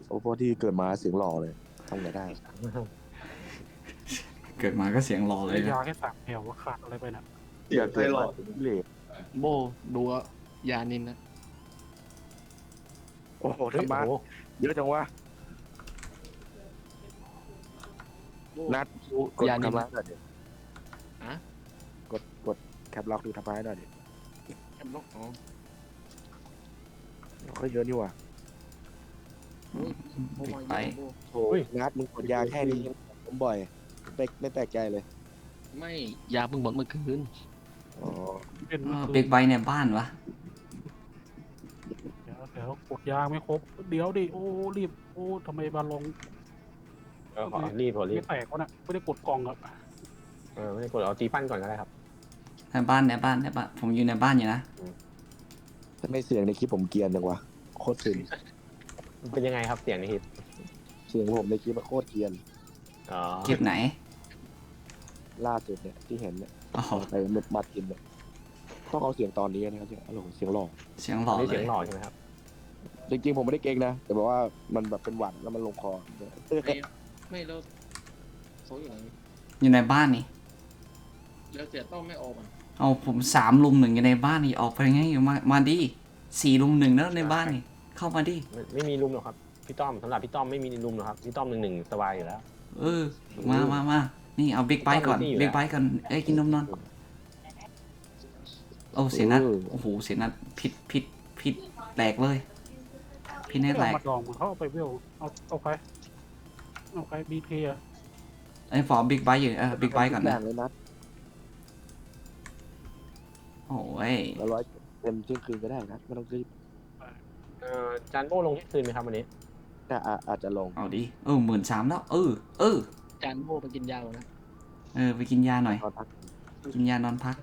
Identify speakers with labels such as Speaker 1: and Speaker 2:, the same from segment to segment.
Speaker 1: โอ้พวกที่เกิดมาเสียงหล่อเลยทำไงได้
Speaker 2: เกิดมาก็เสียงหล่อเลย
Speaker 3: ยา
Speaker 2: นะ
Speaker 3: แค่3 แถวว่าขาดอะไรไปน่ะ
Speaker 1: เสียงเกิดมาเหลว
Speaker 4: โบดูว่ายานินนะ
Speaker 1: โอ้โห
Speaker 5: เฮ้ย
Speaker 1: ทำบ้าน
Speaker 5: โอ้โห
Speaker 1: เยอะจังวะนัด
Speaker 4: ดู
Speaker 1: กด
Speaker 4: ยานิน
Speaker 1: ทำร้ายหน่อยดิ
Speaker 4: อะ
Speaker 1: กดแคปล็อกดูทำร้ายหน่อยดิ
Speaker 4: แอมล็อกอ๋อ
Speaker 1: ค่อยเยอะนี่หว่า
Speaker 4: โบมา
Speaker 2: ไป
Speaker 4: เยอะโบ
Speaker 1: โอ้ยนัดมึงกดยาแค่นี้ผมบ่อยไม่แปลกใจเลย
Speaker 4: ไม่ยาเพิ่งหมดเมื่อคืน
Speaker 1: อ๋อ
Speaker 3: เป็น
Speaker 2: บิ๊กไบค์ในบ้านวะ
Speaker 3: เดี๋ยวกดยาไม่ครบเดี๋ยวดิโอ้รีบโอ้ทำไมบาลง
Speaker 5: ขอรีบ
Speaker 3: ไม่แตกวะน่ะไม่ได้กดกล่องอ่ะ
Speaker 5: ไม่ได้กดเอาตีปั้นก่อนก็ได้ครับ
Speaker 2: ในบ้านผมอยู่ในบ้านอยู่นะ
Speaker 1: ทำไมเสียงในคลิปผมเกรียนจังวะโคตรซึม
Speaker 5: มันเป็นยังไงครับเสียงในคลิป
Speaker 1: เสียงผมในคลิปมันโคตรเกรียน
Speaker 5: อ๋อ
Speaker 2: คลิปไหน
Speaker 1: ล่าสุดเนี่ยที่เห็นเนี่ย
Speaker 2: อ๋อ
Speaker 1: ไปมัดกินเนี่ยต้องเอาเสียงตอนนี้นะครับโอ้โหเสียงหล่อ
Speaker 2: เสียงหล่อ
Speaker 5: นี่
Speaker 2: เล
Speaker 5: เสีย
Speaker 2: ย
Speaker 5: งหล่อใช่ไหมครับ
Speaker 1: จริงๆผมไม่ได้เก่งนะแต่บอกว่ามันแบบเป็นหวัดแล้วมันลงคอ
Speaker 4: ไม่แล้วเขาอยู่ไหน
Speaker 2: อยู่ในบ้านนี่
Speaker 4: แล้วเสียต้องไม่ออกมัน
Speaker 2: เอาผม3 ลุม 1อยู่ในบ้านนี่ออกไปไงอยู่มาดิ4 ลุม 1แล้วในบ้านนี่เข้ามาดิ
Speaker 5: ไม่มีลุมหรอกครับพี่ต้อมสำหรับพี่ต้อมไม่มีลุมหรอกครับพี่ต้อม1-1สบายอยู่แล้ว
Speaker 2: เออมานี่เอาบิ๊กไบค์ก่อน
Speaker 5: นี่อยู่แล้ว
Speaker 2: บิ๊กไบค์ก่อนเอ้ยกินนมนอนโอ้เสียงนัดโอ้โหเสียงนัดผิดแตกเลยผิดแน่แตก
Speaker 3: มาลองเขาเอาไปเวลเอาใครบีเคอะ
Speaker 2: ไอ้ฟอร์บิ๊กไบค์อยู่บิ๊กไบค์ก่อน
Speaker 1: แร
Speaker 2: นะ
Speaker 1: งเลยนัด
Speaker 2: โอ้ย
Speaker 1: แล้วร้อยเต็มเที่ยงคืนก็ได้นะไม่ต้องรีบ
Speaker 5: จานโบ้ลงที่คืนไหมครับวันนี้
Speaker 1: แต่อาจจะลง
Speaker 2: เอาดิ13,000แล้ว
Speaker 4: จานโบไปกินยาก่อนนะ
Speaker 2: ไปกินยาหน่อย
Speaker 1: ตอนพัก
Speaker 2: กินยานอนพัก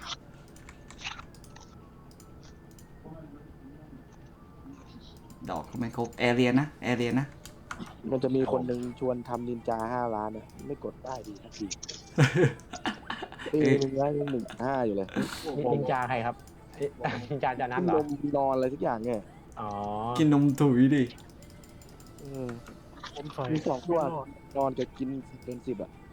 Speaker 2: ดอกก็ไม่ครบแอเรียนะ
Speaker 1: มันจะมีคนหนึ่งชวนทำนินจา5 ล้านเนี่ยไม่กดได้ดีทักทีปีนึงได้1.5อยู่เลย
Speaker 5: นินจาใครครับนินจาจานัท
Speaker 1: กิน
Speaker 5: เหร
Speaker 1: น
Speaker 5: อ
Speaker 1: มนอนอะไรทุกอย่างเนี่ย
Speaker 5: อ๋อ
Speaker 2: กินนมถุยดิ
Speaker 1: เออ
Speaker 3: ผมใส่
Speaker 1: มี2 ตัวนอนกับกินเป็น10อ่ะ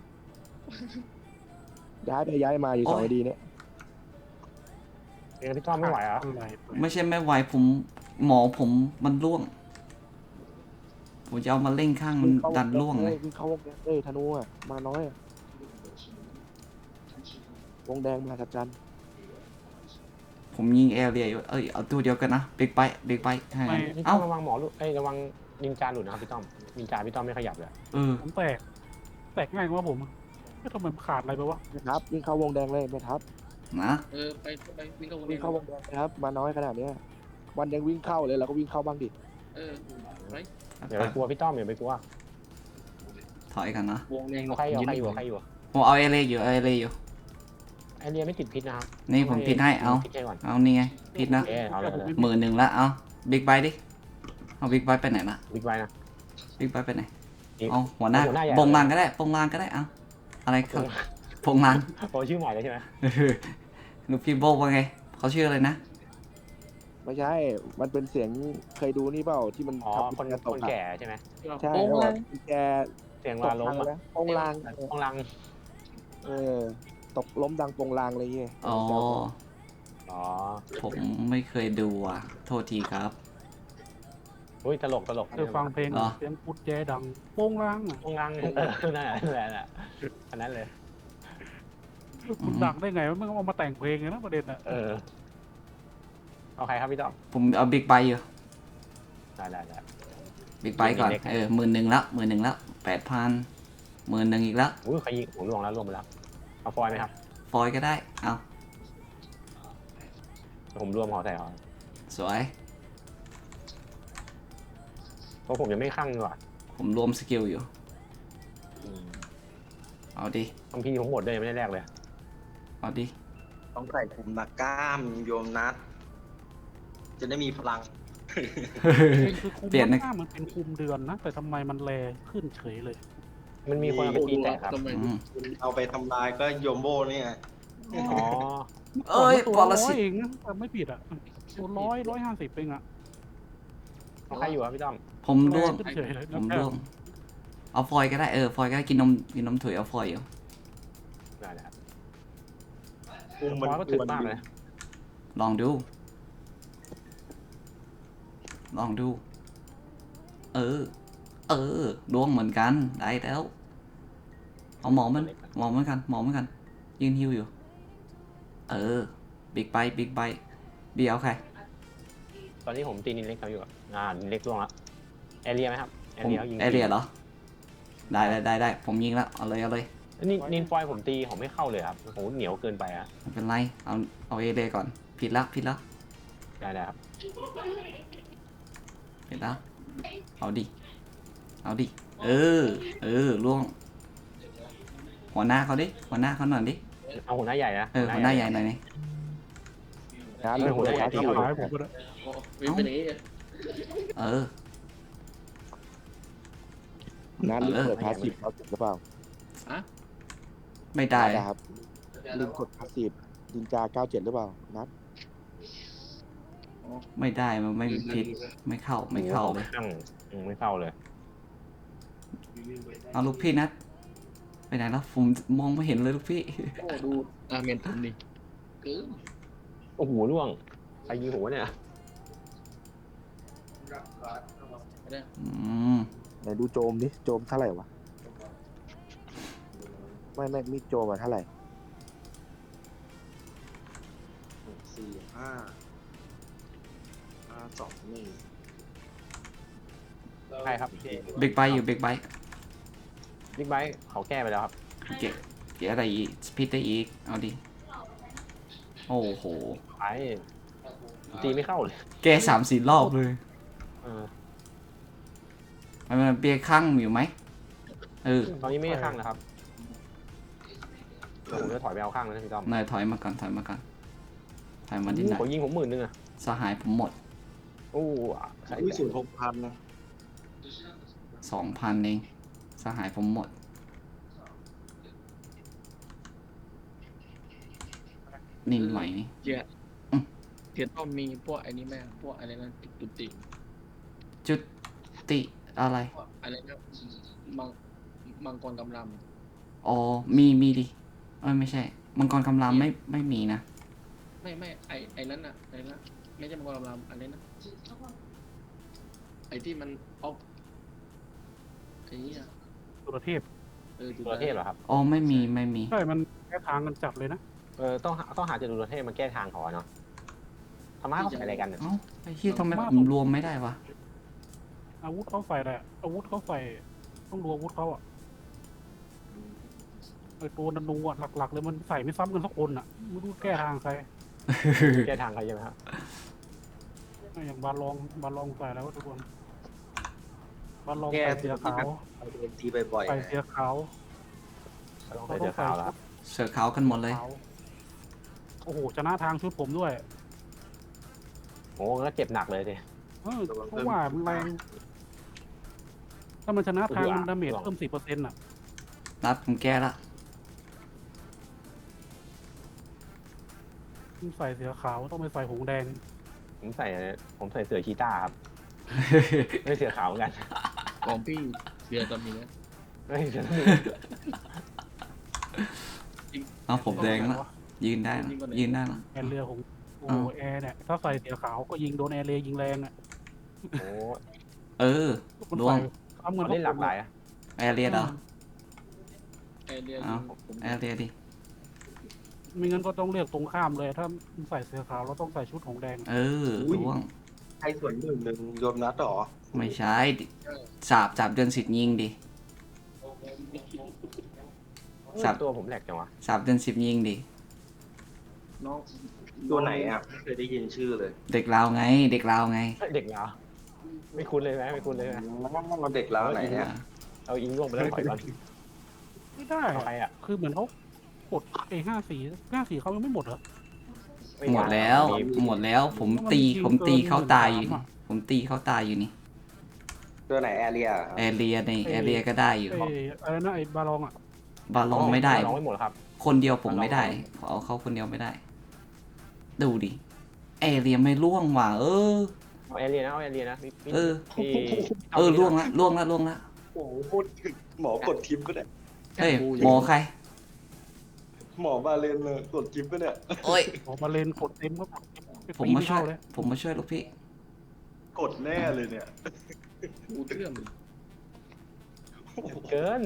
Speaker 1: ย้ายไปย้ายมาอยู่2 ดีเนี่ย
Speaker 5: เองพี่ต้อมไม่ไหวเหรอ
Speaker 3: อะไร
Speaker 2: ไม่ใช่ไม่ไหวหมอผมมันร่วง ผมจะเอามาเล่งข้างมันดันร่วงเลย
Speaker 1: วิ่งเข้าวงแดงธนูอ่ะมาน้อยอ่ะวงแดงมาทับจัน
Speaker 2: ผมยิงแอเรียอยู่เอาตัวเดียวกันนะบิ๊กไบค์ให้
Speaker 5: พี่ต้
Speaker 2: เอ้า
Speaker 5: อมระวังหมอหลุดระวังนินจาหลุดนะครับพี่ต้อมนินจาพี่ต้อมไม่ขยับเลย
Speaker 3: ผมแตกง่ายกว่าผมไม่ทำไมขาดอะไรไปวะ
Speaker 1: ไม่ทับวิ่งเข้าวงแดงเลยไม่ทับ
Speaker 2: นะ
Speaker 4: ไปวิ่งเข้าวง
Speaker 1: วิ่งเข้าวงแดงนะครับมาน้อยขนาดเนี้ยวันยังวิ่งเข้าเลยเราก็วิ่งเข้าบ้างดิ
Speaker 4: ไป
Speaker 5: อย่าไปกลัวพี่ต้อมอย่าไปกลัว
Speaker 2: ถอยกันนะ
Speaker 4: วงแดง
Speaker 5: ใครอยู่ใครอยู่
Speaker 2: ผมเอาแอเรียอยู่
Speaker 5: ไอเรียไม่ติดพิษนะครับ
Speaker 2: นี่ผมพิดให้เอา
Speaker 5: พิษให้ก่อน
Speaker 2: เอานี่ไงพิดนะ
Speaker 5: เอาเลย
Speaker 2: 10,000ละเอาบิ๊กไบค์ดิเอาบิ๊กไบค์ไปไหนละ
Speaker 5: บิ๊กไว้นะ
Speaker 2: บิ๊กไบค์ไปไหน
Speaker 5: อีก
Speaker 2: เอาหัวหน้า
Speaker 5: หัวหน้าใหญ่
Speaker 2: ปงลางก็ได้เอาอะไรครับปงลาง
Speaker 5: โอ้ชื่อใหม่เลยใช่ไหม
Speaker 2: ลูกพี่โบว่าไงเขาชื่ออะไรนะ
Speaker 1: ไม่ใช่มันเป็นเสียงเคยดูนี่เปล่าที่มัน
Speaker 5: อ๋อ
Speaker 1: ทำ
Speaker 5: คน
Speaker 1: กระต
Speaker 5: ค
Speaker 1: ก
Speaker 5: น
Speaker 1: อะ
Speaker 5: แก่ใช่ไหม
Speaker 1: ใช่
Speaker 4: โอ้
Speaker 1: แล้ว
Speaker 4: ย
Speaker 1: แบบแก
Speaker 5: เสียง
Speaker 1: ต
Speaker 5: วาก ล้ม
Speaker 1: ทาง
Speaker 5: อ่ะ
Speaker 1: นะปงลาง
Speaker 5: ห้องลัง
Speaker 1: ตกล้มดังปงลางอะไรเงี้ย
Speaker 2: อ๋อ
Speaker 5: อ๋อ
Speaker 2: ผมไม่เคยดูอ่ะ โทษทีครับ
Speaker 5: อุ้ยตลก
Speaker 3: คือฟังเพลง
Speaker 2: เหรอ
Speaker 3: เสียงกุดแจดังโป้งล่าง
Speaker 5: ห้องลังนั่นแหละอันนั้นเลย
Speaker 3: คุณดังได้ไงมันเอามาแต่งเพลงเลยนะประเด็นอะ
Speaker 5: เอาใครครับพี่ต้อม
Speaker 2: ผมเอาบิ๊กไบค์อยู่
Speaker 5: ได้
Speaker 2: บิ๊กไบค์ก่อน
Speaker 5: มีเล็ก
Speaker 2: 11,000ละ8,000 11,000อีกแล้ว
Speaker 5: อุ้ยใครยิงผมล่วงไปแล้วเอาฟอยไหมครับ
Speaker 2: ฟอยก็ได้ เอา
Speaker 5: ผมรวมหอใส่หอ
Speaker 2: สวย
Speaker 5: เพราะผมยังไม่คั่งดีกว่า
Speaker 2: ผมรวมสกิลอยู่ เอาดิ
Speaker 5: บางทีผมหมดเลยยังไม่ได้แรกเลย
Speaker 2: เอาดิ
Speaker 6: ต้องใส่คุมนักกล้ามโยมนัด จะได้มีพลัง
Speaker 3: คือคุม
Speaker 2: เปลี่ยนนะ
Speaker 3: หน้ามันเป็นคุมเดือนนะแต่ทำไมมันแลขึ้นเฉยเลย
Speaker 5: มันมีคนเอาไปตีแตกครับ
Speaker 4: ทำไม
Speaker 2: อืม
Speaker 6: คุณเอาไปทำลายก็โยมโบเนี่ย
Speaker 5: อ๋อ
Speaker 2: เอ้ย
Speaker 3: ตัว
Speaker 2: ปร
Speaker 3: ร้อ
Speaker 2: สิ
Speaker 3: ย
Speaker 2: ต
Speaker 3: เองนะแต่ไม่ผิดอ่ะตัว150เองอ่ะ
Speaker 5: เอาใครอยู่ครับพี่ต้อม
Speaker 2: ผมร่วง
Speaker 3: เฉยๆเลย
Speaker 2: ผมร่วง เอาฟอยล์ก็ได้ฟอยล์ก็ได้กินนมถุยเอาฟอยล์อยู่
Speaker 5: ได้เลยครับ
Speaker 6: อุ้มมัน
Speaker 5: ฟอยก็ถึกมากเลย
Speaker 2: ลองดู ลองดู ร่วงเหมือนกันได้แล้วเอาหมอเหมือนกันยืนฮิวอยู่บิ๊กไบบีเอาใคร
Speaker 5: ตอนนี้ผมตีนินเล็กเขาอยู่อะนินเล็กล่วงแล้วแอเรียไหมครับแอเรียยิง
Speaker 2: แอเรียเหรอได้ผมยิงแล้วเอาเลย
Speaker 5: นินฟอยผมตีผมไม่เข้าเลยครับผมเหนียวเกินไปอะ
Speaker 2: ไม่เป็นไรเอาเอเรียก่อนผิดแล้ว
Speaker 5: ได้ครับ
Speaker 2: เอาดิล่วงหัวหน้าเขาหน่อยดิ
Speaker 5: เอาหัวหน้าใหญ่นะ
Speaker 2: หัวหน้าใหญ่หน่อยนี่
Speaker 1: งานเรื่องหัวใจ
Speaker 3: ที่ขายผมก็ได้
Speaker 4: โอ้วิ่งไปไหน
Speaker 1: งานเรื่องเปิดพาสซีฟเขาหรือเปล่า
Speaker 2: ไม่ได้
Speaker 1: ครับลืมกดพาสซีฟดินจา97หรือเปล่านัด
Speaker 2: ไม่ได้มันไม่มีพิษไม่เข้าเลย
Speaker 5: ไม่เข้าเลย
Speaker 2: เอาลูกพี่นัดไปไหนแล้วผมมองไม่เห็นเลยลูกพี่
Speaker 4: โอ้ดูเมนผมดิเกิน
Speaker 5: โอ้โหล่วงใครยิงหัวเนี่ย
Speaker 1: ไหนดูโจมดิโจมเท่าไหร่วะไม่มีโจมอะเท่าไหร่
Speaker 6: 4 5 5 2 1
Speaker 5: ใช่ครับ
Speaker 2: บิ๊กไบอยู่บิ๊กไบ
Speaker 5: บิ๊กไบค์เขาแก้ไปแล้วครับ
Speaker 2: เก๋อะไรอีกสปีดได้อีกเอาดิโอ้โห
Speaker 5: ไอ้ตีไม่เข้าเลย
Speaker 2: แก3-4 รอบเลย
Speaker 5: เออ
Speaker 2: มันเบียร์ข้างอยู่ไหม
Speaker 5: ตอนนี้ไม่ได้ข้างนะครับเดี๋ยวผมจะถอยไปเอาข้างแล้วนะพี่ต้อม
Speaker 2: นายถอยมาก่อนถอยมาที่ไหน
Speaker 5: ผมยิงผม10,000อะ
Speaker 2: สหายผมหมด
Speaker 5: โอ้ใช่
Speaker 6: อุ้ยสูตร6,000นะ
Speaker 2: 2,000 เองสหายผมหมดนิ่งไหวนี่
Speaker 4: เทียนต้องมีพวกไอ้นี่แม่พวกอะไรนะจุดติ
Speaker 2: จุดติอะไร
Speaker 4: พวกอะไรนะมังกรกำลัง
Speaker 2: อ๋อมีดิไม่ใช่มังกรคำรามไม่มีนะ
Speaker 4: ไม่ไอ้นั้นอะไอ้นั้นไม่ใช่มังกรกำลังอะไรนะไอ้ที่มันออฟไอ้นี่อะ
Speaker 3: ตุรเทพ
Speaker 5: จุลเทพเหรอครับ
Speaker 2: อ๋อไม่มี
Speaker 3: ใช่มันแค่ทางกันจับเลยนะ
Speaker 5: ต้องหาจุลเทพมาแก้ทางเขาอะเนาะธรรมะเขาใส่อะไรกันเนี่ย
Speaker 2: เอ้าไอ้ที่ทำไมผมรวมไม่ได้วะ
Speaker 3: อาวุธเขาใส่แหละอาวุธเขาใส่ต้องดูอาวุธเขาอ่ะไอตัวนันูอ่ะหลักๆเลยมันใส่ไม่ซ้ำกันสักคนอ่ะไม่รู้แก้ทางใคร
Speaker 5: แก้ทางเขาใช่ไหมครับ
Speaker 3: อย่างบาลองใส่แล้วทุกคนบาลอง
Speaker 6: แก้
Speaker 3: ใส่เสียขาว
Speaker 6: เอาโดนตีบ่อย
Speaker 3: ใส่เสียขาว
Speaker 5: ต้องใส่เสื้อขาวแล้วครับ
Speaker 2: เสือขาวกันหมดเลย
Speaker 3: ขาวโอ้โหชนะทางชุดผมด้วย
Speaker 5: โอ้ก็เจ็บหนักเลยสิ
Speaker 3: เพราะว่ามันแรงถ้ามันชนะทางมันดาเมจเพิ่ม10%อ่ะ
Speaker 2: นัดผมแก้ละ
Speaker 3: ต้องใส่เสียขาวต้องไปใส่หงแดง
Speaker 5: ผมใส่เสื้อชีต้าครับ ไม่เสื้อขาวเหมือนกัน
Speaker 4: ของพี่เสือตอนนี้นะ
Speaker 5: ไม่เสื้อ
Speaker 2: เอาผมแดงละยืนได้ละ
Speaker 3: แอร์เรือของโอ้โหแอร์เนี่ยถ้าใส่เสียขาวก็ยิงโดนแอร์เรือยิงแรงอ่ะ
Speaker 5: โอ้
Speaker 3: มัน
Speaker 2: ร่ว
Speaker 3: ใส่
Speaker 2: ง
Speaker 3: ซ้ำเงิน
Speaker 5: เล่นหลากหลายอะ
Speaker 2: แอร์เรียเหรอ
Speaker 4: ไอเรีย
Speaker 2: เอา
Speaker 4: ผม
Speaker 2: แอร์เรียดิ
Speaker 3: ไม่งั้นก็ต้องเลือกตรงข้ามเลย ถ้าใส่เสื้อขาวเราต้องใส่ชุดหงแดง
Speaker 2: ร่วง
Speaker 6: ๆ ให้ส่วนหนึ่งโยมนัดหรอ
Speaker 2: ไม่ใช่จับเดือน10ยิงดิ
Speaker 5: ตัวผมแหลกจังวะ
Speaker 2: เดือน10ยิงดิ
Speaker 4: น้อง
Speaker 6: ตัวไหนอ่ะไม่เคยได้ยินชื่อเลย
Speaker 2: เด็กลาวไง
Speaker 5: เด็กเหรอไม่คุ้นเลยไหมไม่คุ้นเลยไหม
Speaker 6: เราเด็กแล้วไหนเนี่ย
Speaker 5: เอาอิงล่วงไปแล้วถอยก่อน
Speaker 3: ไม่ได้
Speaker 5: เอาใคร
Speaker 3: อะ
Speaker 5: อ่ะ
Speaker 3: คือเหมือนเขากด54เขายังไม่หมดเหรอ
Speaker 2: หมดแล้วผมตีเขาตายอยู่นี่ผมตีเขาตายอยู่นี่
Speaker 6: ตัวไหนแอเรีย
Speaker 2: แอร์เรียในแอร์เรียก็ได้อยู่
Speaker 3: อะไรนะไอ้บาลองอ่ะ
Speaker 2: บาลองไม่ได้
Speaker 5: ร้องไม่หมดครับ
Speaker 2: คนเดียวผมไม่ได้ขอเอาเขาคนเดียวไม่ได้ ดูดิแอร์เรียไม่ร่วงว่ะ
Speaker 5: เอาแอเรียนะเอาแอเรียนะพี่
Speaker 2: เออ
Speaker 5: พี่
Speaker 2: ล่วงละล่วงละล่วงละ
Speaker 6: โอ้โหพูดถึงหมอกดทิปก็ได้
Speaker 2: เฮ้ยหมอใคร
Speaker 6: หมอบาเลนเลยกดทิปก็เนี่ย
Speaker 2: โอ้ย
Speaker 3: ออกมาเลนกดเต็มก็
Speaker 2: ผมมาช่วย
Speaker 3: เลย
Speaker 2: ผมมาช่วยลูกพี่
Speaker 6: กดแน่เลยเนี่ย
Speaker 4: กูเชื่อม
Speaker 5: เกิน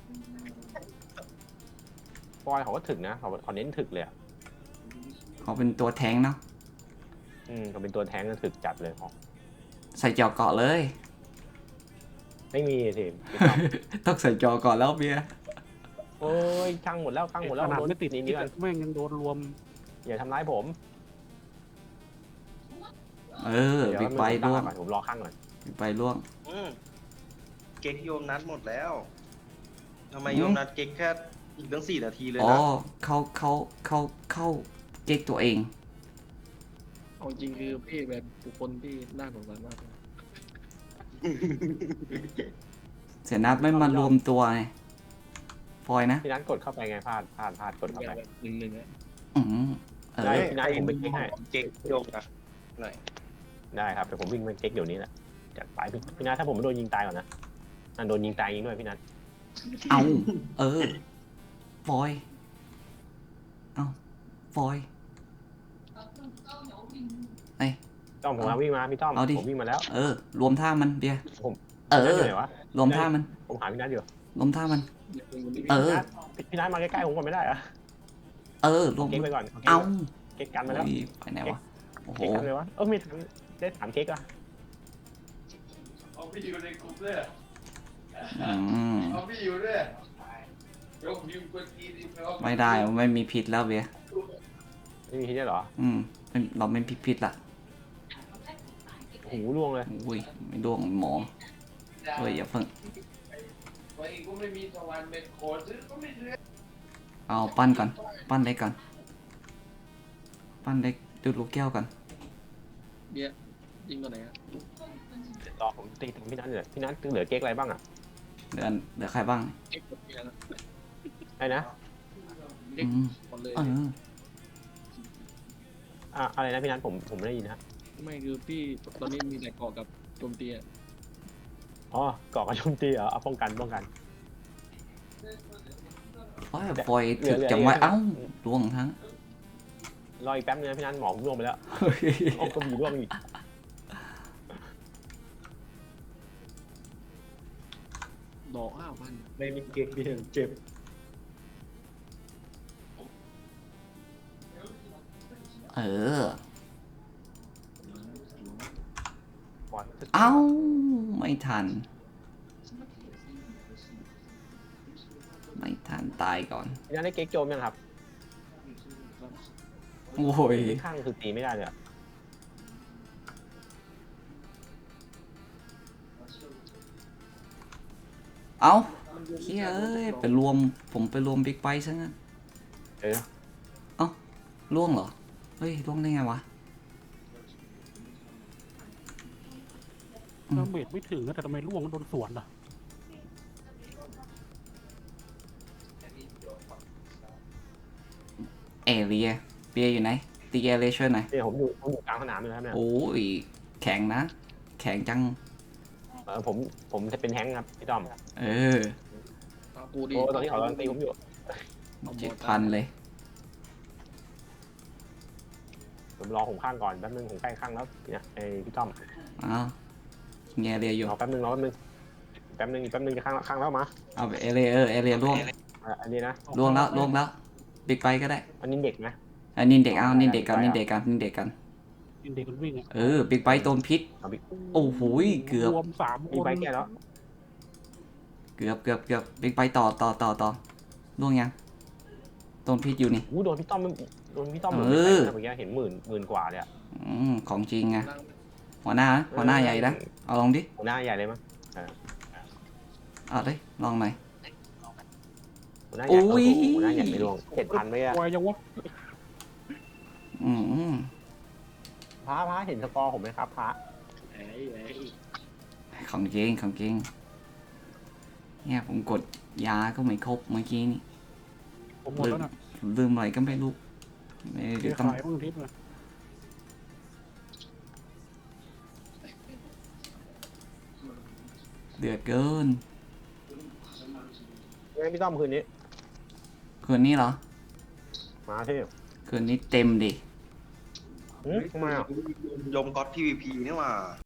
Speaker 5: ฟอยเขาก็ถึกนะเขาเน้นถึกเลยอ่ะ
Speaker 2: เขาเป็นตัวแทงเนาะ
Speaker 5: เขาเป็นตัวแทงก็ถึกจัดเลยเขา
Speaker 2: ใส่จอเกาะเลย
Speaker 5: ไม่มีสิพี่ต้อม
Speaker 2: ต้องใส่จอเกาะแล้วเบียร์
Speaker 5: โอ้ยช่างหมดแล้วช่างหมดแล้ว
Speaker 3: ขนาด
Speaker 5: โดน
Speaker 3: ไม่ติด
Speaker 5: นี่
Speaker 3: นี่
Speaker 5: กัน
Speaker 3: แม่งยังโดนรวม
Speaker 5: อย่าทำร้ายผม
Speaker 2: เออ
Speaker 5: เดี๋ยว
Speaker 2: บิ๊กไบค์
Speaker 5: ตั้ง
Speaker 2: ล่วง
Speaker 5: ก่อนผมรอข้างก่อน
Speaker 2: บิ๊กไบค์ล่วง
Speaker 6: เก๊กโยมนัดหมดแล้วทำไมโยมนัดเก๊กแค่อีกตั้ง4 นาทีเลย
Speaker 2: อ๋อ
Speaker 6: นะ
Speaker 2: เข้าเก๊กตัวเอง
Speaker 4: เอาจริงคือพี่แบบบุคคลที่น่าสงสารมาก
Speaker 2: เสียนัดไม่มารวมตัวไงฟอยนะ
Speaker 5: พี่นัทกดเข้าไปไงพลาดกดเข้าไป
Speaker 4: แบบหนึ่งอ่ะ
Speaker 2: อืมเอ
Speaker 5: ได้
Speaker 2: อ
Speaker 5: พี่นัทผมไปเก๊กให้
Speaker 6: เก๊กโยมนะหน่อย
Speaker 5: ได้ครับแต่ผมวิ่งไปเก๊กเดี๋ยวนี้แหละจัดไปพี่นัทถ้าผมไม่โดนยิงตายก่อนนะโดนยิงตายยิงด้วยพี่นัท
Speaker 2: เอาเออฟอยเอาฟอย
Speaker 5: ต้อมผมวิ่งมาพี่ต้อม
Speaker 2: เอาดิ
Speaker 5: ผมวิ่งมาแล้ว
Speaker 2: เออ รวมท่ามันเบียร์
Speaker 5: ผม
Speaker 2: เอ
Speaker 5: พี่นัท
Speaker 2: อ
Speaker 5: อยู่ไหนวะ
Speaker 2: รวมท่ามัน
Speaker 5: ผมหาพี่นัทอยู่
Speaker 2: รวมท่ามัน เออ
Speaker 5: พี่นัทมาใกล้ๆผมก่อนไม่ได้เหรอ
Speaker 2: เออ รวม
Speaker 5: เก๊กไปก่อน
Speaker 2: เอา
Speaker 5: เก๊กกันมาแล้ว
Speaker 2: อุ๊ยไปไหนวะ โอ้โห
Speaker 5: เก๊กกันเลยวะไม่ได้ถามเก๊กอ่ะ
Speaker 7: เอาพี่อยู่ในกลุ่มด้วย
Speaker 2: อืม
Speaker 7: เอาพี่อยู่ด้วยยกนิ้วกดทีดิเอา
Speaker 2: ไม่ได้ไม่มีผิดแล้วเบียร์
Speaker 5: ไม่มีที่ได้เหรอ
Speaker 2: เราไม่ผิดละ
Speaker 5: หูล่วงเลย
Speaker 2: อุ้ยไม่ดวงหมอเฮ้ยอย่าเพิ่ง
Speaker 7: ไว้ก็ไม่มีสวรรค์เป็นโคซื้อก็ไม่ซื้อ
Speaker 2: เอาปั้นก่อน ปั้นเล็กก่อน ปั้นเล็กดูดลูกแก้วก่อน
Speaker 4: เบียร์ยิงตัวไหนอ่ะ
Speaker 5: รอผมตีถึงพี่นัทเลยพี่นัทเหลือเก๊กอะไรบ้างอ่ะ
Speaker 2: เหลือใครบ้าง
Speaker 4: เอ็กซ์กดเบียร์นะ
Speaker 5: ไอ้นะ
Speaker 4: เอ็ก
Speaker 2: อืม
Speaker 4: ซ์หมดเลย
Speaker 2: เออ
Speaker 5: อะไรนะพี่นัทผมไม่ได้ยินนะ
Speaker 4: ไม่คือพี่ตอนนี้มีแต่เกาะกับโจมตีอ่ะ
Speaker 5: อ๋อก่อกระโจมตีเหรอเอาป้องกัน
Speaker 2: โอ้ยปล่อยถึกจังไว้เอ้าล่วงทั้ง
Speaker 5: รออีกแป๊บนึงนะพี่นัทหมอผมล่วงไปแล้วอ้อก็มีล่วงอีก
Speaker 4: ดอก5,000
Speaker 6: ไม่มีเก๊กพี่เจ็บ
Speaker 2: เออ
Speaker 5: ปล่อย
Speaker 2: เอ้า ไม่ทัน ไม่ทันตายก่อน
Speaker 5: พี่นัทได้เก๊กโจมยังครับ
Speaker 2: โอ้ย
Speaker 5: ข้างคือตีไม่ได้เลยอะ
Speaker 2: เอ้าเฮียเอ้ยผมไปรวมบิ๊กไบค์ซะงั้น
Speaker 5: เออ
Speaker 2: ล่วงเหรอ เฮ้ยล่วงได้ไงวะ
Speaker 3: ดาเมจไม่ถึงนะแต่ทำไมล่วงโดนสวนอ่ะ
Speaker 2: เอเรียเบียร์อยู่ไหน ตีเอเรียช่วยหน่อย
Speaker 5: เนี่ยผมอยู่กลางสนามเลยครับเนี่ย
Speaker 2: โอ้ย แข็งนะ แข็งจัง
Speaker 5: ผมจะเป็นแฮงค์ครับพี่ต้อม
Speaker 2: เออ
Speaker 4: เอากูดิ
Speaker 5: โอ้ตอนนี้เขากำลังตีผมอยู่
Speaker 2: 7,000 เลย
Speaker 5: ผมรอผมข้างก่อนแป๊บนึงผมใกล้ข้างแล้วเนี่ยไอพี่ต้อม
Speaker 2: อ้าวเงี้ยเรียอยู่
Speaker 5: รอแป๊บนึงอีกแป๊บนึงจะข้างแล้วมา
Speaker 2: เอาไปเอเรียเอเรียล่วง
Speaker 5: อันนี้นะ
Speaker 2: ล่วงแล้ว บิ๊กไบค์ก็ได้
Speaker 5: อันนี้เด็กนะ
Speaker 2: อันนี้เด็กเอานี่เด็กกัน
Speaker 5: ไป
Speaker 2: นี่
Speaker 5: อ่ะ
Speaker 2: เด็กกันนี่เด็กกัน
Speaker 3: เด็กมันวิ่งอ่ะ
Speaker 2: เออ บิ๊กไบค์โดนพิษ
Speaker 5: เอาบิ๊ก
Speaker 2: โอ้โหเกือบ
Speaker 3: รวม3
Speaker 5: มี
Speaker 3: คน
Speaker 5: ใบแก้แล้ว
Speaker 2: เกือบบิ๊กไบค์ต่อล่วงยังโดนพิษอยู่นี่
Speaker 5: โดนพี่ต้อมโดนพี่ต้อม
Speaker 2: เออ
Speaker 5: เมื่อกี้เห็นหมื่นกว่าเลยอะ
Speaker 2: ของจริงไง
Speaker 4: นั่ง
Speaker 2: หัวหน้าใหญ่นะเอาลองดิ
Speaker 5: หัวหน้าใหญ่เลยมั้ง
Speaker 2: เอาเลยลองหน่อย
Speaker 5: หัวหน้าใหญ่
Speaker 2: อุ้ย
Speaker 5: หัวหน้าใหญ่ไม่ลง7,000ไปอะ
Speaker 3: วายยังวะ
Speaker 2: อืม
Speaker 5: พระเห็นสกอร์ผมไหมครับพระ
Speaker 4: ไอ้ไอ้
Speaker 2: ของจริงเนี่ยผมกดยาก็ไม่ครบเมื่อกี้นี่
Speaker 3: ผมหมดแล้วนะ
Speaker 2: ลืมอะไรก็ไม่รู้เดี๋
Speaker 3: เดี๋
Speaker 2: ย
Speaker 3: ยว ว
Speaker 2: ต้อง
Speaker 3: ขายบ้างทิพย์เลย
Speaker 2: เดือดเกิน
Speaker 5: ยังไงพี่ต้อมคืนนี้
Speaker 2: คืนนี้เหรอ
Speaker 5: มาที่
Speaker 2: คืนนี้เต็มดิ
Speaker 5: ทำไมอ่ะ
Speaker 6: ยมก๊อต PVP นี่หว่า